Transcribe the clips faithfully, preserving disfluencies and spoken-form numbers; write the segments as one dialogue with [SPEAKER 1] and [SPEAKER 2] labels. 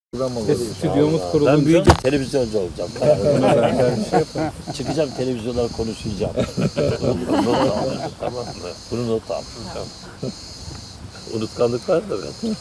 [SPEAKER 1] Stüdyomuz kurulunca...
[SPEAKER 2] Ben büyüyünce televizyoncu olacağım. Çıkacağım televizyonlara konuşacağım. Not al. Tamam mı? Bunu not al. Unutkanlık var da ben.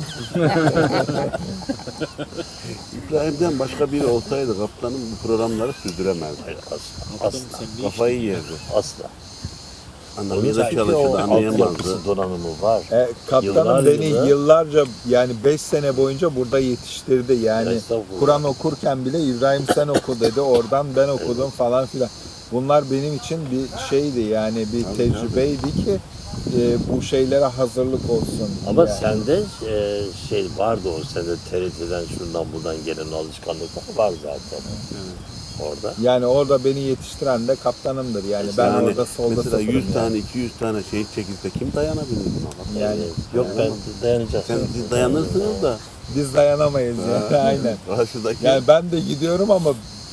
[SPEAKER 3] İbrahim'den başka biri olsaydı kaptanım bu programları sürdüremezdi.
[SPEAKER 2] Hayır, asla. Asla.
[SPEAKER 3] Kafayı yerdi.
[SPEAKER 2] Asla.
[SPEAKER 3] Anlamıza
[SPEAKER 2] Çünkü
[SPEAKER 3] çalışırdı,
[SPEAKER 2] o
[SPEAKER 3] anlayamazdı.
[SPEAKER 2] altyapısı donanımı var.
[SPEAKER 1] E, kaptanım
[SPEAKER 2] Yıllar
[SPEAKER 1] beni
[SPEAKER 2] yılı-
[SPEAKER 1] yıllarca yani beş sene boyunca burada yetiştirdi. Yani
[SPEAKER 2] Estağfurullah.
[SPEAKER 1] Kur'an okurken bile İbrahim sen oku dedi. Oradan ben okudum falan filan. Bunlar benim için bir şeydi yani bir tecrübeydi ki e, bu şeylere hazırlık olsun.
[SPEAKER 2] Ama
[SPEAKER 1] yani.
[SPEAKER 2] sende e, şey vardı o sende T R T'den şuradan buradan gelen alışkanlıklar var zaten. Orada.
[SPEAKER 1] Yani orada beni yetiştiren de kaptanımdır. Yani ben
[SPEAKER 3] Yani
[SPEAKER 1] orada solda
[SPEAKER 3] mesela
[SPEAKER 1] sıfırım
[SPEAKER 3] yüz
[SPEAKER 1] yani.
[SPEAKER 3] tane, iki yüz tane şehit çekilse kim dayanabilir buna?
[SPEAKER 1] Yani
[SPEAKER 2] Yok ben dayanacağım.
[SPEAKER 3] Sen siz dayanırsınız da.
[SPEAKER 1] biz dayanamayız yani. Aynen.
[SPEAKER 3] Karşıdaki
[SPEAKER 1] Yani ben de gidiyorum ama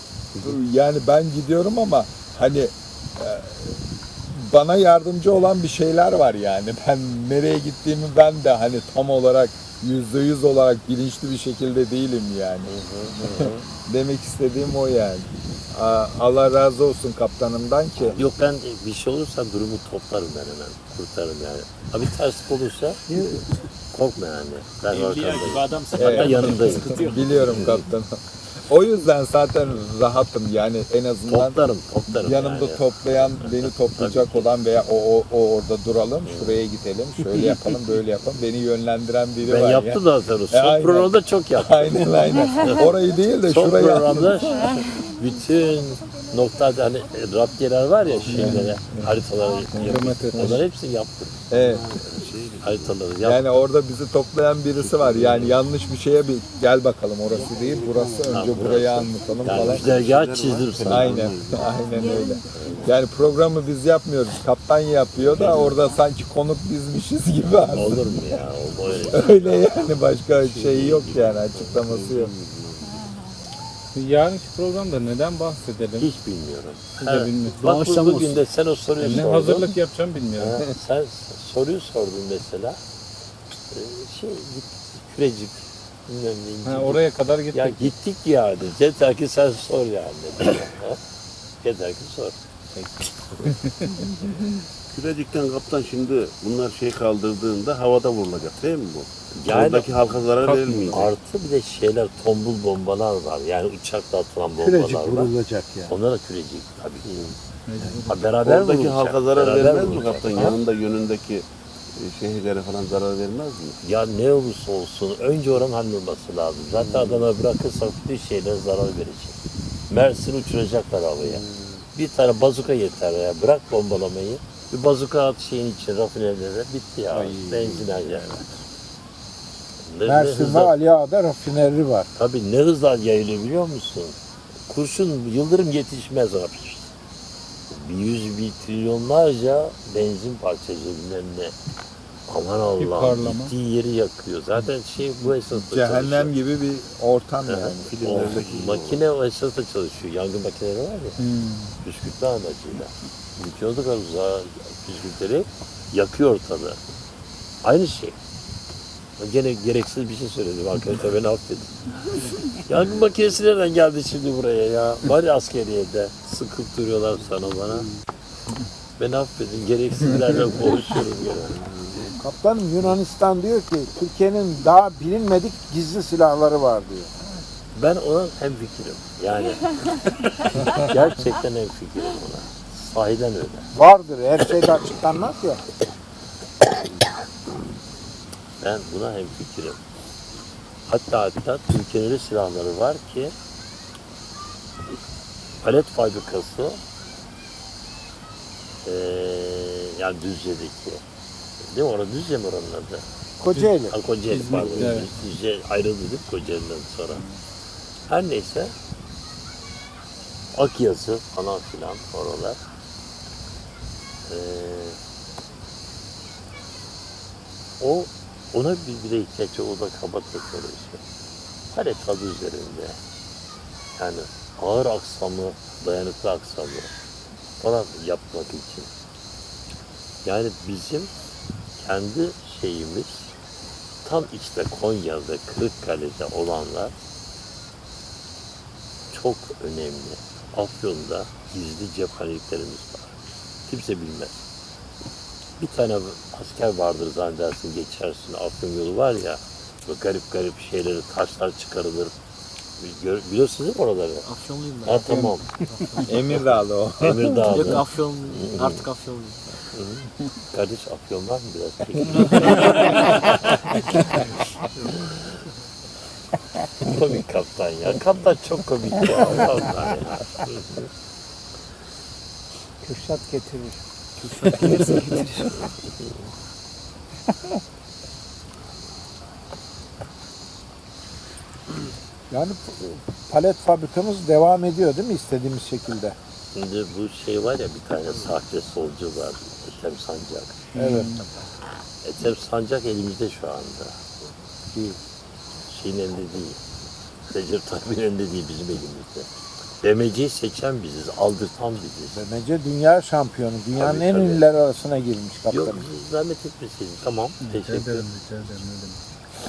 [SPEAKER 1] yani ben gidiyorum ama hani e, bana yardımcı olan bir şeyler var yani. Ben nereye gittiğimi ben de hani tam olarak yüzde yüz olarak bilinçli bir şekilde değilim yani. Demek istediğim o yani. A- Allah razı olsun kaptanımdan ki.
[SPEAKER 2] Yok ben bir şey olursa durumu toplarım ben hemen. Kurtarırım yani. Ha bir terslik olursa korkma yani. Ben arkandayım.
[SPEAKER 4] adamsın.
[SPEAKER 2] Hatta yanındayım.
[SPEAKER 1] Biliyorum kaptanım. O yüzden zaten rahatım yani en azından
[SPEAKER 2] Toplarım, toplarım
[SPEAKER 1] yanımda
[SPEAKER 2] yani.
[SPEAKER 1] toplayan, beni toplayacak olan veya o, o, o orada duralım, şuraya gidelim, şöyle yapalım, böyle yapalım. Beni yönlendiren biri
[SPEAKER 2] Ben
[SPEAKER 1] var
[SPEAKER 2] yaptım
[SPEAKER 1] ya.
[SPEAKER 2] da sonra.
[SPEAKER 1] E,
[SPEAKER 2] Son
[SPEAKER 1] aynen.
[SPEAKER 2] programda çok yaptım.
[SPEAKER 1] Aynen aynen. Orayı değil de
[SPEAKER 2] Son
[SPEAKER 1] şurayı
[SPEAKER 2] programda bütün noktada hani raptiyeler var ya şeylere, haritaları yaptım. Onları hepsini yaptım.
[SPEAKER 1] Evet.
[SPEAKER 2] Haritaları yaptım.
[SPEAKER 1] Yani orada bizi toplayan birisi var. Yani yanlış bir şeye bir gel bakalım orası değil, burası önce
[SPEAKER 2] Ha,
[SPEAKER 1] burayı
[SPEAKER 2] burası.
[SPEAKER 1] anlatalım
[SPEAKER 2] Yani
[SPEAKER 1] falan.
[SPEAKER 2] güzergahı çizdim sana.
[SPEAKER 1] Aynen, aynen öyle. Yani programı biz yapmıyoruz, kaptan yapıyor da orada sanki konuk bizmişiz gibi aslında.
[SPEAKER 2] Olur mu ya? O öyle.
[SPEAKER 1] Öyle yani başka şey yok yani açıklaması yok.
[SPEAKER 5] Yarınki programda neden bahsedelim?
[SPEAKER 2] Hiç bilmiyorum.
[SPEAKER 5] Siz de
[SPEAKER 2] Ha,
[SPEAKER 5] bilmiyorsunuz.
[SPEAKER 2] Bak bu- bugün de sen o soruyu
[SPEAKER 5] Ne
[SPEAKER 2] sordun.
[SPEAKER 5] hazırlık yapacağım bilmiyorum.
[SPEAKER 2] Ha, sen soruyu sordun mesela. Ee, Şey git kürecik. Bilmem ne.
[SPEAKER 5] Ha,
[SPEAKER 2] incik.
[SPEAKER 5] oraya kadar gittik.
[SPEAKER 2] Ya gittik yani. Yeter ki sen sor yani. dedim. Ha? Yeter ki sor.
[SPEAKER 3] Kürecik'ten kaptan şimdi bunlar şey kaldırdığında havada vurulacak değil mi bu?
[SPEAKER 2] Yani-
[SPEAKER 3] Oradaki halka zarar
[SPEAKER 5] Kalk-
[SPEAKER 3] verilmeyecek.
[SPEAKER 2] Artı bir de şeyler tombul bombalar var. Yani uçakla atılan bombalar
[SPEAKER 6] Kürecik
[SPEAKER 2] var.
[SPEAKER 6] vurulacak yani.
[SPEAKER 2] Onlar da kürecik tabii ki. Ha, beraber
[SPEAKER 3] Oradaki
[SPEAKER 2] vurulacak,
[SPEAKER 3] halka zarar
[SPEAKER 2] beraber
[SPEAKER 3] vermez mi
[SPEAKER 2] vurulacak.
[SPEAKER 3] kaptan?
[SPEAKER 2] Ha?
[SPEAKER 3] Yanında yönündeki e, şehirlere falan zarar vermez mi?
[SPEAKER 2] Ya ne olursa olsun önce oranın hallolması lazım. Zaten adama bırakırsak bütün şeyler zarar verecek. Mersin'i uçuracaklar havaya. Bir tane bazuka yeter ya. Bırak bombalamayı. Bir bazuka at şeyin için rafinerlere bitti ya. Benzin her yerde. Ne, ne
[SPEAKER 6] Mersin ve
[SPEAKER 2] hızla,
[SPEAKER 6] Ali Ağa'da rafineri var.
[SPEAKER 2] tabii ne hızla yayılıyor biliyor musun? Kurşun yıldırım yetişmez abi. Bir yüz bir trilyonlarca benzin parçacığı bilmem ne. Aman Allah'ım
[SPEAKER 5] parlama.
[SPEAKER 2] gittiği yeri yakıyor. Zaten şey bu esasla
[SPEAKER 1] Cehennem
[SPEAKER 2] çalışıyor.
[SPEAKER 1] gibi bir ortam yani.
[SPEAKER 2] O
[SPEAKER 3] Filmlerdeki
[SPEAKER 2] makine o esasla çalışıyor. Yangın makineleri var ya.
[SPEAKER 5] Hmm.
[SPEAKER 2] Püskürtme amacıyla. Yıkıyorduk uzağa püskürtleri yakıyor ortalığı. Aynı şey. Gene gereksiz bir şey söyledim arkadaşlar beni affedin. Yangın makinesi nereden geldi şimdi buraya ya? Var ya askeriyede sıkıp duruyorlar sana bana. Beni affedin gereksizlerle konuşuyorum gene.
[SPEAKER 6] Kaptanım Yunanistan diyor ki Türkiye'nin daha bilinmedik gizli silahları var diyor.
[SPEAKER 2] Ben ona hemfikirim. Yani gerçekten hemfikirim ona. Sahiden öyle.
[SPEAKER 6] Vardır her şeyde açıklanmaz ya.
[SPEAKER 2] Ben buna hemfikirim. Hatta hatta Türkiye'nin öyle silahları var ki palet fabrikası eee yani Düzce'deki değil mi? Orada Düzce mi oranın adı?
[SPEAKER 6] Kocaeli.
[SPEAKER 2] Ha, Kocaeli pardon.
[SPEAKER 5] evet.
[SPEAKER 2] Düzce ayrıldı değil mi Kocaeli'den sonra? Her neyse Akyazı falan filan oralar. Eee o ona bir bile ihtiyaç yok. O da kaba teknoloji. Palet adı üzerinde. Yani ağır aksamı, dayanıklı aksamı falan yapmak için. Yani bizim kendi şeyimiz tam işte Konya'da, Kırıkkale'de olanlar çok önemli. Afyon'da gizli cephaneliklerimiz var. Kimse bilmez. Bir tane asker vardır zannedersin, geçersin. Afyon yolu var ya, böyle garip garip şeyleri, taşlar çıkarılır. Gör, biliyorsunuz değil mi oraları?
[SPEAKER 4] Afyonluyum ben.
[SPEAKER 2] Ha tamam.
[SPEAKER 1] Emirdağlı o.
[SPEAKER 4] Yok
[SPEAKER 2] Emirdağ'da.
[SPEAKER 4] Afyonluyum. Artık Afyonluyum.
[SPEAKER 2] Kardeş Afyon var mı biraz? Peki. Komik kaptan ya. Kaptan çok komik ya. Vallahi ya.
[SPEAKER 6] Kürşat getirir.
[SPEAKER 4] Kürşat gelirse getirir.
[SPEAKER 6] Yani palet fabrikamız devam ediyor değil mi istediğimiz şekilde?
[SPEAKER 2] Şimdi bu şey var ya, bir tane sahte solcu var. Ethem Sancak.
[SPEAKER 6] Evet.
[SPEAKER 2] Ethem Sancak elimizde şu anda.
[SPEAKER 6] Değil.
[SPEAKER 2] Şeyin elinde değil. Recep Tayyip'in elinde değil, bizim elimizde. B M C'yi seçen biziz, aldırtan biziz.
[SPEAKER 6] B M C dünya şampiyonu. Dünyanın
[SPEAKER 2] Tabii,
[SPEAKER 6] en
[SPEAKER 2] tabii.
[SPEAKER 6] ünlüler arasına girmiş
[SPEAKER 2] Yok,
[SPEAKER 6] kaptanım.
[SPEAKER 2] zahmet etmeseydin. Tamam, teşekkür ederim.
[SPEAKER 5] rica ederim. Ne demek.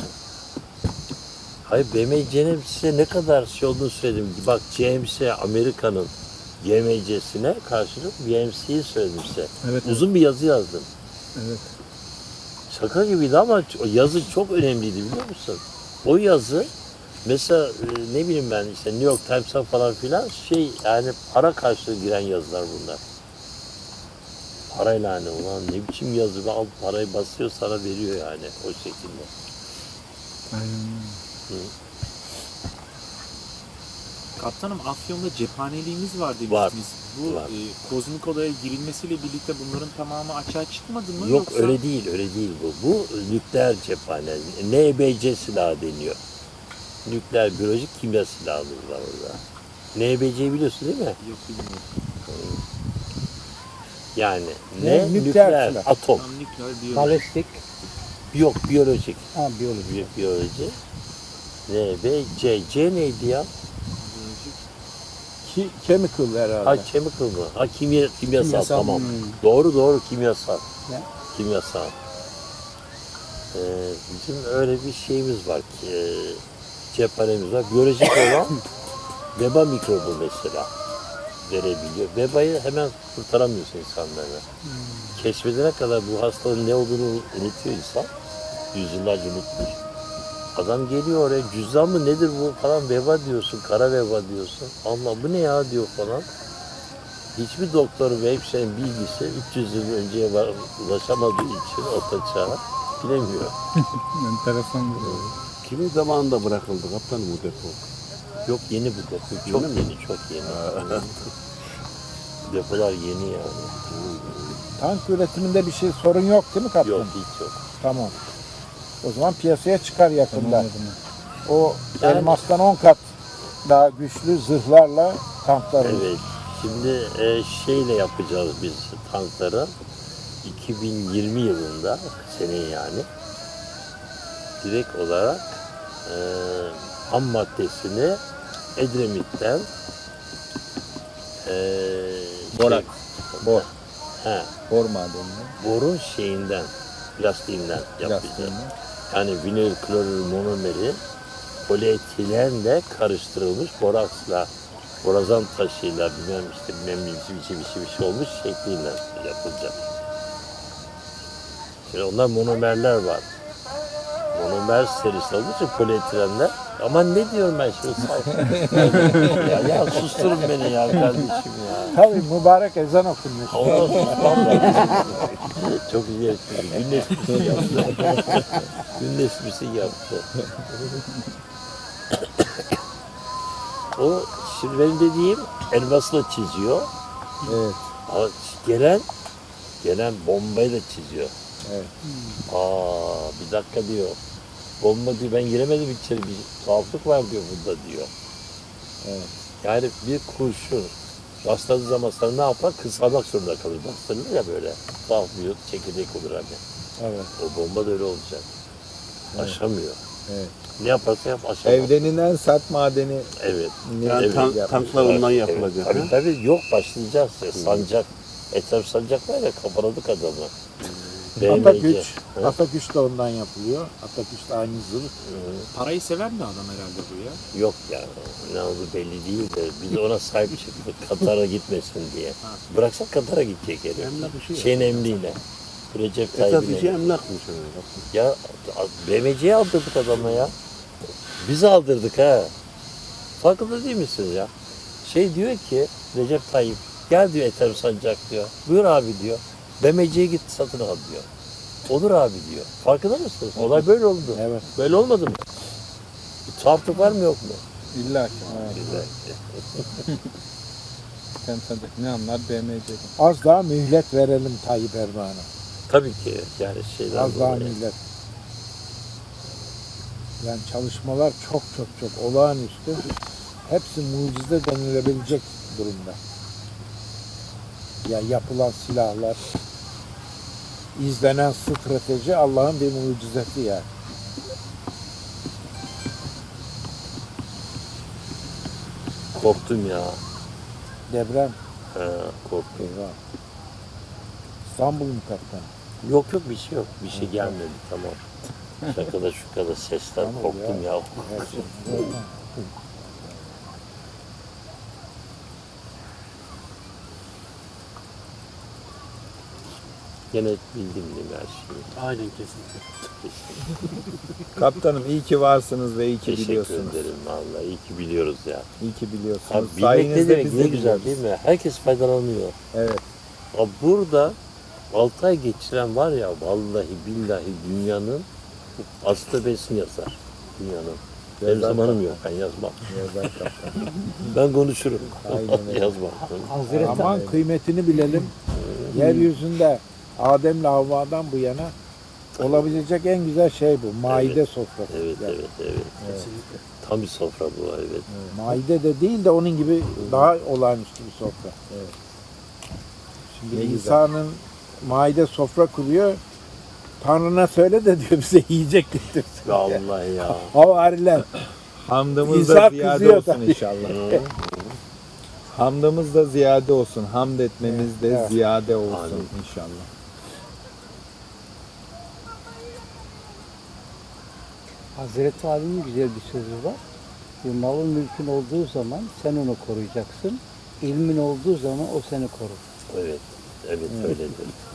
[SPEAKER 2] Hayır, B M C'nin size ne kadar şey olduğunu söyledim. Bak, G M C Amerika'nın G M C'sine karşılık B M C'yi söyledim size.
[SPEAKER 5] Evet,
[SPEAKER 2] Uzun bir yazı yazdım.
[SPEAKER 5] evet.
[SPEAKER 2] Şaka gibiydi ama o yazı çok önemliydi, biliyor musun? O yazı mesela e, ne bileyim ben, işte New York Times'a falan filan şey, yani para karşılığı giren yazılar bunlar. Parayla hani, ulan ne biçim yazı be, al parayı basıyor sana veriyor yani, o şekilde.
[SPEAKER 5] Aynen.
[SPEAKER 7] Kaptanım, Afyon'da cephaneliğimiz var demiştiniz.
[SPEAKER 2] Var,
[SPEAKER 7] Bu
[SPEAKER 2] var.
[SPEAKER 7] e, kozmik odaya girilmesiyle birlikte bunların tamamı açığa çıkmadı mı?
[SPEAKER 2] Yok,
[SPEAKER 7] Yoksa...
[SPEAKER 2] öyle değil, öyle değil bu. Bu nükleer cephane, N B C silahı deniyor. Nükleer biyolojik kimya silahımız var orada. N B C'yi biliyorsun değil mi?
[SPEAKER 7] Yok, bilmiyorum.
[SPEAKER 2] Yani
[SPEAKER 6] Ne?
[SPEAKER 2] ne?
[SPEAKER 6] Nükleer
[SPEAKER 2] Nükleer,
[SPEAKER 6] silah.
[SPEAKER 2] atom.
[SPEAKER 7] Tam nükleer biyoloji.
[SPEAKER 6] Balistik.
[SPEAKER 2] Yok, biyolojik.
[SPEAKER 6] Ha biyoloji.
[SPEAKER 2] Bi- Biyoloji. N B C. C neydi ya?
[SPEAKER 7] biyolojik.
[SPEAKER 6] Ki, chemical herhalde.
[SPEAKER 2] Ha, chemical mı? Ha, kimya, kimyasal,
[SPEAKER 6] Kimyasal,
[SPEAKER 2] tamam.
[SPEAKER 6] hmm.
[SPEAKER 2] Doğru doğru, kimyasal.
[SPEAKER 6] Ne?
[SPEAKER 2] Kimyasal. Ee, bizim öyle bir şeyimiz var ki, e, cephanemiz var. Biyolojik olan veba mikrobu mesela verebiliyor. Vebayı hemen kurtaramıyorsun insanlara. Keşfedene kadar bu hastalığın ne olduğunu unutuyor insan. Yüzyıllarca unutmuş. Adam geliyor oraya, cüzdan mı nedir bu falan, veba diyorsun, kara veba diyorsun. Allah, bu ne ya diyor falan. Hiçbir doktor ve hemşirenin bilgisi üç yüz yıl önceye var, ulaşamadığı için orta çağa bilemiyor.
[SPEAKER 5] Enteresan bir şey.
[SPEAKER 3] Kimin zamanında bırakıldı kaptanım bu depo?
[SPEAKER 2] Yok, yeni bu depo. Çok yeni, çok yeni. Depolar yeni yani.
[SPEAKER 6] Tank üretiminde bir şey sorun yok değil mi kaptan?
[SPEAKER 2] Yok, hiç yok.
[SPEAKER 6] Tamam. O zaman piyasaya çıkar yakında.
[SPEAKER 5] Tamam o zaman.
[SPEAKER 6] O
[SPEAKER 2] Yani-
[SPEAKER 6] elmastan on kat daha güçlü zırhlarla tanklar.
[SPEAKER 2] Evet. Şimdi e, şeyle yapacağız biz tankları. iki bin yirmi yılında, seneye yani, direkt olarak e, ham maddesini Edremit'ten e,
[SPEAKER 1] Borak.
[SPEAKER 2] şey-
[SPEAKER 1] Bor.
[SPEAKER 2] He,
[SPEAKER 1] Bor madenini.
[SPEAKER 2] borun şeyinden, plastiğinden yapacağız.
[SPEAKER 1] Plastiğinden.
[SPEAKER 2] Yani vinil klorür monomeri polietilenle karıştırılmış boraksla, borazan taşıyla, bilmem işte bilmem bir şey bir şey bir şey olmuş şekliyle yapılacak. Şimdi onlar monomerler var. Monomer serisi olduğu için polietilenler. Ama ne diyorum ben şimdi? ya, ya susturun beni ya kardeşim ya.
[SPEAKER 6] Tabii mübarek ezan okunuyor.
[SPEAKER 2] Ondan susmam lazım. Çok iyi espri. Gün esprisi yaptı. Gün esprisi yaptı. O şimdi benim dediğim elmasla çiziyor.
[SPEAKER 1] Evet.
[SPEAKER 2] Ama gelen gelen bombayla çiziyor.
[SPEAKER 1] Evet.
[SPEAKER 2] Aa, bir dakika diyor. Bomba diyor, ben giremedim içeri, bir tuhaflık var diyor burada diyor.
[SPEAKER 1] Evet.
[SPEAKER 2] Yani bir kurşun rastladığı zaman sana ne yapar? Kısalmak zorunda kalır. Bastırılır ya böyle. Tuhaf bir çekirdek olur hani.
[SPEAKER 6] Evet.
[SPEAKER 2] O bomba da öyle olacak. Aşamıyor.
[SPEAKER 1] Evet.
[SPEAKER 2] Ne yaparsa yap aşamaz.
[SPEAKER 1] Evrenin en sert madeni.
[SPEAKER 2] Evet.
[SPEAKER 3] Yani
[SPEAKER 2] Evet,
[SPEAKER 3] tank,
[SPEAKER 1] yapmışlar.
[SPEAKER 3] tanklar ondan
[SPEAKER 2] Evet,
[SPEAKER 3] yapılacak.
[SPEAKER 2] Tabii
[SPEAKER 3] ha?
[SPEAKER 2] tabii, yok başlayacağız ya. Sancak. Etraf sancak var ya, kafaladık adamı. B M C.
[SPEAKER 6] Ataküç.
[SPEAKER 2] Evet.
[SPEAKER 6] Ataküç de ondan yapılıyor. Ataküç de aynı zırh.
[SPEAKER 7] Parayı seven bir adam herhalde bu ya.
[SPEAKER 2] Yok ya, ne oldu belli değil de biz ona sahip çıktık Katar'a gitmesin diye. Bıraksak Katar'a gidecek herif.
[SPEAKER 3] Emlak işi.
[SPEAKER 2] Şeyin emriyle. Recep
[SPEAKER 3] Esas
[SPEAKER 2] Tayyip'in
[SPEAKER 3] işi
[SPEAKER 2] emri.
[SPEAKER 3] emlakmış öyle.
[SPEAKER 2] Ya B M C'ye aldırdık adama ya. Biz aldırdık ha. Farkında değil misiniz ya? Şey diyor ki Recep Tayyip gel diyor Ethem Sancak diyor. Buyur abi diyor. B M C'ye git satın al diyor. Olur abi diyor. Farkında mısınız? Olay böyle oldu.
[SPEAKER 6] Evet.
[SPEAKER 2] Böyle olmadı mı? Bir tuhaflık var mı yok mu?
[SPEAKER 5] İlla ki.
[SPEAKER 2] Güzel.
[SPEAKER 5] Sen sancak ne anlar B M C'den.
[SPEAKER 6] Az daha mühlet verelim Tayyip Erdoğan'a.
[SPEAKER 2] Tabii ki yani şeyden
[SPEAKER 6] Az daha
[SPEAKER 2] dolayı.
[SPEAKER 6] mühlet. Yani çalışmalar çok çok çok olağanüstü. Hepsi mucize denilebilecek durumda. Ya yapılan silahlar, izlenen strateji Allah'ın bir mucizesi yani.
[SPEAKER 2] Korktum ya.
[SPEAKER 6] Deprem.
[SPEAKER 2] Ha, korktum.
[SPEAKER 6] Eyvah. İstanbul mu kaptan?
[SPEAKER 2] Yok yok bir şey yok. Bir şey gelmedi tamam. Şakada şukada sesler
[SPEAKER 6] Tamam
[SPEAKER 2] korktum ya.
[SPEAKER 6] Her şey.
[SPEAKER 2] Gene bildim değil mi her şeyi.
[SPEAKER 3] Aynen kesinlikle.
[SPEAKER 1] Kaptanım iyi ki varsınız ve iyi ki
[SPEAKER 2] Teşekkür
[SPEAKER 1] biliyorsunuz.
[SPEAKER 2] ederim vallahi. İyi ki biliyoruz ya.
[SPEAKER 1] İyi ki biliyorsunuz.
[SPEAKER 2] Abi bilmek ne
[SPEAKER 1] Sayenizde
[SPEAKER 2] demek
[SPEAKER 1] biz
[SPEAKER 2] ne
[SPEAKER 1] de
[SPEAKER 2] güzel
[SPEAKER 1] biliyoruz.
[SPEAKER 2] değil mi? Herkes faydalanıyor.
[SPEAKER 1] Evet.
[SPEAKER 2] Abi burada altı ay geçiren var ya vallahi billahi dünyanın astabesini yazar. Dünyanın. Benim
[SPEAKER 1] Yazar
[SPEAKER 2] zamanım
[SPEAKER 1] kaptan.
[SPEAKER 2] yok ben yazmam.
[SPEAKER 1] Yazar kaptan.
[SPEAKER 2] Ben konuşurum.
[SPEAKER 1] Aynen öyle.
[SPEAKER 2] Yazmam.
[SPEAKER 4] Hazreti
[SPEAKER 6] Aman kıymetini bilelim. Yeryüzünde Adem'le Havva'dan bu yana olabilecek en güzel şey bu. Maide sofrası.
[SPEAKER 2] Evet
[SPEAKER 6] Yani
[SPEAKER 2] evet evet. Tam bir sofra bu evet.
[SPEAKER 6] Maide de değil de onun gibi daha olağanüstü bir sofra.
[SPEAKER 1] Evet.
[SPEAKER 6] Şimdi
[SPEAKER 1] Ne güzel.
[SPEAKER 6] İsa'nın maide sofra kuruyor. Tanrı'na söyle de diyor bize yiyecek getirsin.
[SPEAKER 2] Vallahi ya.
[SPEAKER 6] Havariler.
[SPEAKER 1] Hamdımız
[SPEAKER 6] İsa
[SPEAKER 1] da ziyade
[SPEAKER 6] kızıyor
[SPEAKER 1] olsun
[SPEAKER 6] tabii.
[SPEAKER 1] inşallah. Hamdımız da ziyade olsun. Hamd etmemiz de
[SPEAKER 6] Evet.
[SPEAKER 1] ziyade olsun
[SPEAKER 2] Amin.
[SPEAKER 1] inşallah.
[SPEAKER 8] Hazreti Ali'nin güzel bir sözü var. Bir malın mülkün olduğu zaman sen onu koruyacaksın. İlmin olduğu zaman o seni korur.
[SPEAKER 2] Evet. Evet öyledir.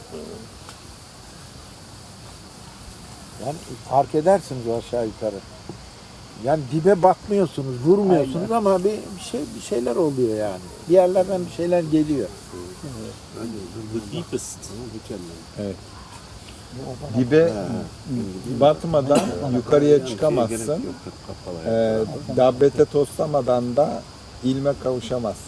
[SPEAKER 6] Yani fark edersiniz o aşağı yukarı. Yani dibe batmıyorsunuz, vurmuyorsunuz ama bir, bir şey bir şeyler oluyor yani. Bir yerlerden bir şeyler geliyor.
[SPEAKER 7] The deepest.
[SPEAKER 1] Evet. Dibe batmadan yukarıya çıkamazsın. Ee, dabbete toslamadan da ilme kavuşamazsın.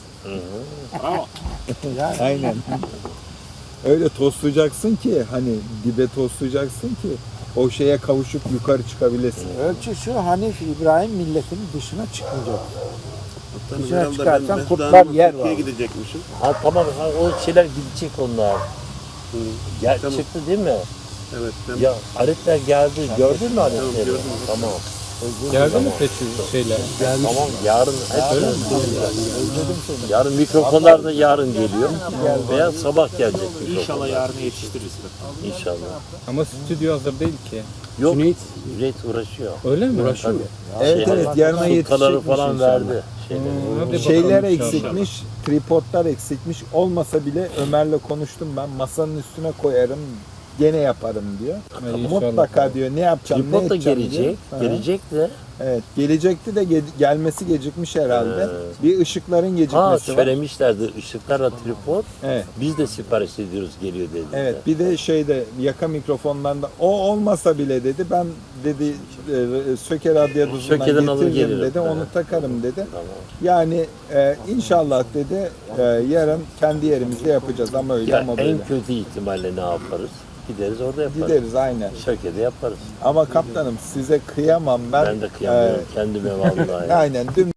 [SPEAKER 6] Yani
[SPEAKER 1] Aynen. Öyle toslayacaksın ki hani dibe toslayacaksın ki o şeye kavuşup yukarı çıkabilesin.
[SPEAKER 6] ölçü şu, Hanif İbrahim milletinin dışına çıkmayacak.
[SPEAKER 3] Hatta
[SPEAKER 6] Dışına
[SPEAKER 3] herhalde
[SPEAKER 6] çıkarsan
[SPEAKER 3] ben
[SPEAKER 6] kurtlar
[SPEAKER 3] Mesuda'nın
[SPEAKER 6] yer
[SPEAKER 3] Türkiye'ye
[SPEAKER 6] var.
[SPEAKER 3] gidecekmişim.
[SPEAKER 2] Ha tamam ha, o şeyler gidecek onlar. Gel,
[SPEAKER 3] Tamam.
[SPEAKER 2] çıktı değil mi?
[SPEAKER 3] Evet. Ben
[SPEAKER 2] Ya aletler geldi. Gördün mü aletleri?
[SPEAKER 3] Tamam, gördüm.
[SPEAKER 2] Tamam.
[SPEAKER 5] Geldi mi peki şeyler?
[SPEAKER 2] Tamam yarın hep yarın mikrofonlar da yarın geliyor. Veya sabah gelecek mikrofonlar.
[SPEAKER 7] İnşallah yarına yetiştiririz.
[SPEAKER 2] İnşallah.
[SPEAKER 5] Ama stüdyo hazır değil ki.
[SPEAKER 2] Yok. Cüneyt uğraşıyor.
[SPEAKER 5] Öyle mi?
[SPEAKER 2] Tabii.
[SPEAKER 1] Evet
[SPEAKER 2] Şey,
[SPEAKER 1] evet yarına
[SPEAKER 2] sultaları
[SPEAKER 1] yetişecekmiş
[SPEAKER 2] falan
[SPEAKER 1] inşallah.
[SPEAKER 2] verdi. Şeyleri.
[SPEAKER 5] Hmm, hadi
[SPEAKER 1] Şeyler
[SPEAKER 5] bakalım inşallah.
[SPEAKER 1] eksikmiş, tripodlar eksikmiş. Olmasa bile Ömer'le konuştum ben. Masanın üstüne koyarım, gene yaparım diyor.
[SPEAKER 5] Ay, inşallah.
[SPEAKER 1] Mutlaka diyor ne yapacağım, ne
[SPEAKER 2] Tripod da
[SPEAKER 1] edeceğim
[SPEAKER 2] gelecek.
[SPEAKER 1] diyor. Hı.
[SPEAKER 2] Gelecek de.
[SPEAKER 1] Evet, gelecekti de ge- gelmesi gecikmiş herhalde.
[SPEAKER 2] Ee.
[SPEAKER 1] Bir ışıkların
[SPEAKER 2] Ha
[SPEAKER 1] gecikmesi var.
[SPEAKER 2] söylemişlerdi. Işıklarla tripod.
[SPEAKER 1] Evet.
[SPEAKER 2] Biz de sipariş ediyoruz geliyor dedi.
[SPEAKER 1] Evet, bir de şeyde yaka mikrofondan da o olmasa bile dedi ben dedi e, Söke radyoduzundan
[SPEAKER 2] Söke'den alır
[SPEAKER 1] getiririm
[SPEAKER 2] gelirim.
[SPEAKER 1] dedi, onu
[SPEAKER 2] Evet.
[SPEAKER 1] takarım dedi.
[SPEAKER 2] Tamam.
[SPEAKER 1] Yani e, inşallah dedi e, yarın kendi yerimizde yapacağız ama öyle
[SPEAKER 2] Ya
[SPEAKER 1] ama böyle.
[SPEAKER 2] en kötü ihtimalle ne yaparız? Gideriz orada yaparız.
[SPEAKER 1] Gideriz aynen.
[SPEAKER 2] Şöke'de yaparız.
[SPEAKER 1] Ama kaptanım size kıyamam ben.
[SPEAKER 2] Ben de kıyamıyorum
[SPEAKER 1] E,
[SPEAKER 2] kendime vallahi.
[SPEAKER 1] aynen dün